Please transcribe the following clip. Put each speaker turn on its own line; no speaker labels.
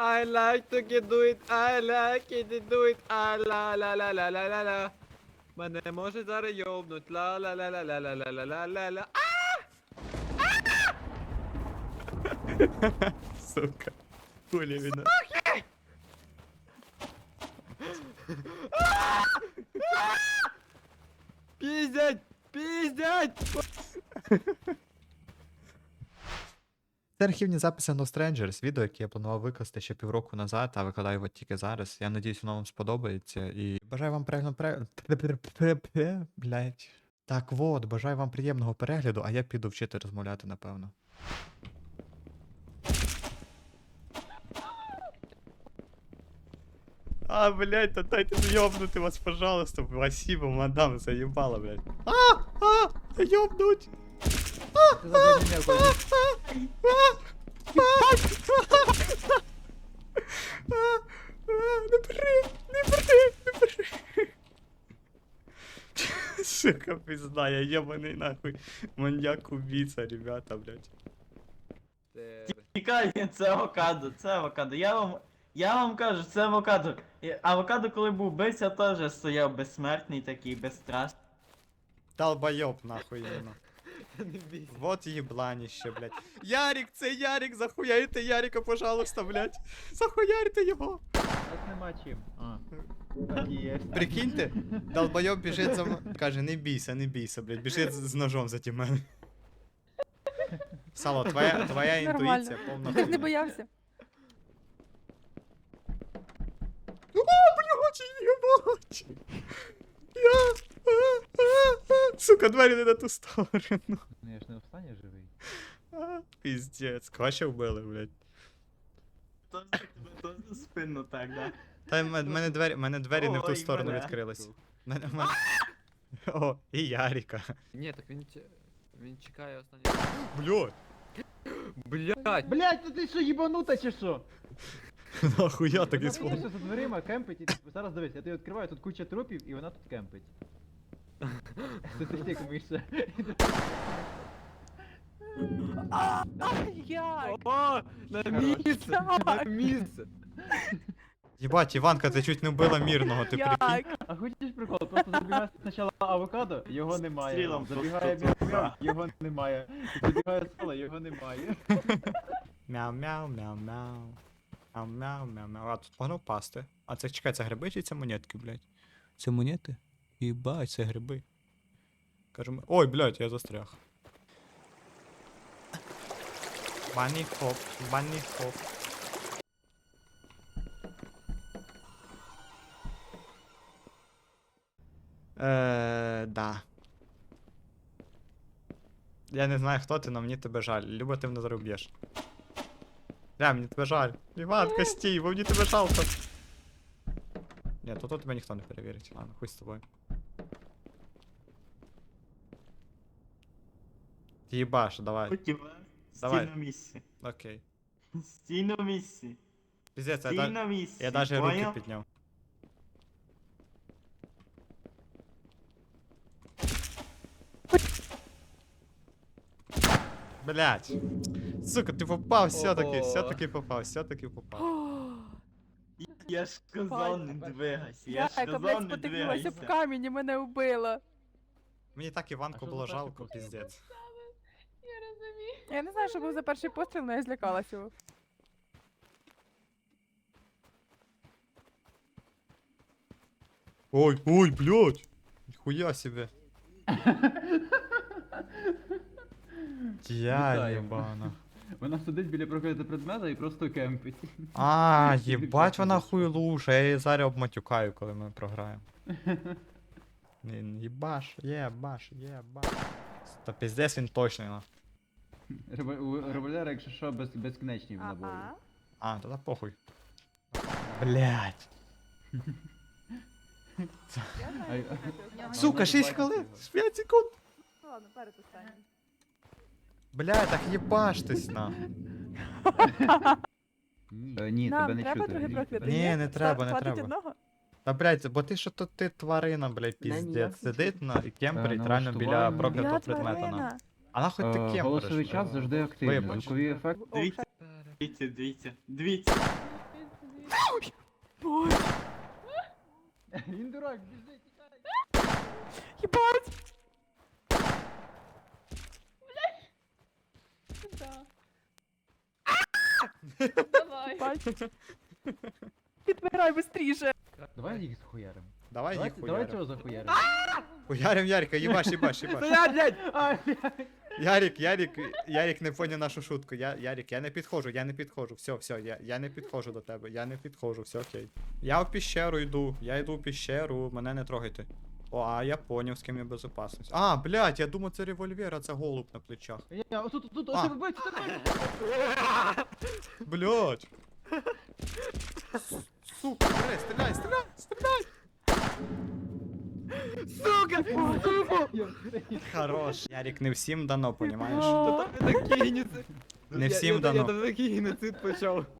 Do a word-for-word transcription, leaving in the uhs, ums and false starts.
I like to get do it, I like it, do it, а ла ла ла ла ла ла ла. Мене може зараз йобнуть, ла ла ла ла ла ла ла ла ла ла ла.
Сука. Хули видно.
Пиздять! Пиздять!
Це архівні записи No Strangers, відео, яке я планував викласти ще півроку назад, а викладаю його тільки зараз. Я надіюсь, воно вам сподобається і бажаю вам приємного перегляду. Блять. Так от, бажаю вам приємного перегляду, а я піду вчити розмовляти, напевно. А, блядь, да дайте ёбнуть вас, пожалуйста. Спасибо, мадам, заебала, блядь. А, а, ёбнуть. Не бери, не бери, не бери. Сука, пизда, я ебаный нахуй. Маньяк-убийца, ребята, блядь.
Тікай, це авокадо, це авокадо. Я вам, я вам кажу, це авокадо. І авокадо, коли був бився, теж стояв безсмертний такий, безстрашний.
Долбоёб, нахуй, именно. Вот ебланище, блядь. Ярик, це Ярик, захуярите Ярика, пожалуйста, блядь. Захуярите його.
Так нема чим. А. Так і є.
Прикиньте, долбойоб біжить за мною. Каже, не бійся, не бійся, блядь. Біжить з з ножом за ті мене. Сало, твоя, твоя
Нормально.
інтуїція повна
Ти ж не
хуйня.
боявся?
О, блядь, єбать! Я... а, а, а. Сука, двері не на ту сторону.
Ну я ж не встані живий.
А, пиздец, Квача вбили, блядь.
Тож тебе теж за спину так, да?
Та в мене двері, мене двері не в ту
Ой,
сторону
мене.
відкрились. Мене, мене... О, і Ярика.
Ні, так він ч- він чекає останній.
Блядь,
Блять!
Блять, ну ти що, їбанута чи що?
нахуя так
Вона
із
просто за дверима кемпить і типу, зараз дивись, я тобі відкриваю, тут куча трупів і вона тут кемпить. Ти ти стікуєшся.
Як?
О, на місце! На місце!
Єбать, Іванка, ти чуть не вбила мирного, ти прикинь.
Як?
А хочеш прикол? Просто забігає спочатку авокадо, його немає.
Стрілом
Забігає
просто
мяу-мяу, його немає. Забігає сало, його немає.
Мяу-мяу, мяу-мяу. Мяу-мяу, мяу-мяу. А тут погнав пасти. А це, чекай, це гриби чи це монетки, блядь? Це монети? Єбать, це гриби. Кажемо. Ой, блядь, я застряг. Банні хоп, банні хоп. Е, да. Я не знаю, хто ти, но мені тебе жаль. Люба, ти мене зараз вб'єш. Бля, мені тебе жаль. Іванка, стій, бо мені тебе жалко. Ні, то тут тебе ніхто не перевірить. Ладно, хуй з тобою. Єбаш, давай.
Хотів,
Давай.
стій на місці.
Окей.
Стій на місці.
Піздець, я,
Стій
да...
на місці.
я даже руки
поняв?
підняв. Блять. Сука, ти попав все-таки,
Ого.
все-таки попав, все-таки попав.
Я ж сказав, не двигайся. Я
Я,
ж
яка,
сказав,
блядь,
не
спотикнулася в
двигайся.
камінь і мене вбила.
Мені так
А
Іванку
що
було
за перший
жалко,
постріл?
піздець.
Я не знаю, що був за перший постріл, але я злякалася його.
Ой, ой, блядь! Нихуя себе. Я
Вітаю.
єбана.
Вона сидить біля проклятого предмета і просто кемпить.
А, їбать вона хуйлуша, я її зараз обматюкаю, коли ми програємо. Він їбаш, єбаш, єбаш. Та піздець він точний, на.
Револ- У револьвера, якщо що, без, безкінечні в наборі.
Ага.
А, тоді похуй. Блять.
Я знаю,
Ай,
що це. В нього
Сука,
Вона
шість
бачить
хвилин,
його.
п'ять секунд.
Ну ладно, перед останнім.
Бля, так їбаштесь на.
Ні, Е, ні
Нам
тебе не
треба
чути.
другий
ні,
проклятий?
тебе-
Ні, не
Ста-
треба, не
хватить
треба.
одного?
Та блять, бо ти що то ти тварина, блядь,
На ніяк
піздець.
не
Сидить на і кемперить
Е,
реально біля
налаштування.
проклятого
Я
предмета на.
тварина.
А нахуй ти
Е,
кемпериш?
Голосовий час
блядь?
завжди активний.
Вибач.
Звуковий ефект.
О,
Дивіться, дивіться, дивіться, дивіться.
Боже,
Він дурак, біжи, тікай.
їбать!
Да. Давай.
Їбать. Підбирай быстріше.
Давай їх захуярим.
Давай
Давай,
їх
давай
хуярим.
цього захуярим.
Хуярим Ярика, їбаш, їбаш, їбаш.
Стоять, блядь!
А, блядь.
Ярик, Ярик, Ярик не поняв нашу шутку. Я, Ярик, я не підходжу, я не підходжу. Все, все, я, я не підходжу до тебе, я не підходжу, все окей. Я в піщеру йду, я йду в піщеру, мене не трогайте. О, а я поняв, з ким я безопасність. А, блядь, я думав, це револьвер, а це голуб на плечах.
Я, отут, тут,
А.
ось тебе бить, це бить.
Блядь. С- Сука, стріляй, стріляй, стріляй, стріляй.
Сука! Сука!
Я встиг.
Хорош. Ярик, не всім дано, понімаєш?
Та там не такий геноцид.
Не
Я-
всім
я-
дано.
Я там такий геноцид почав.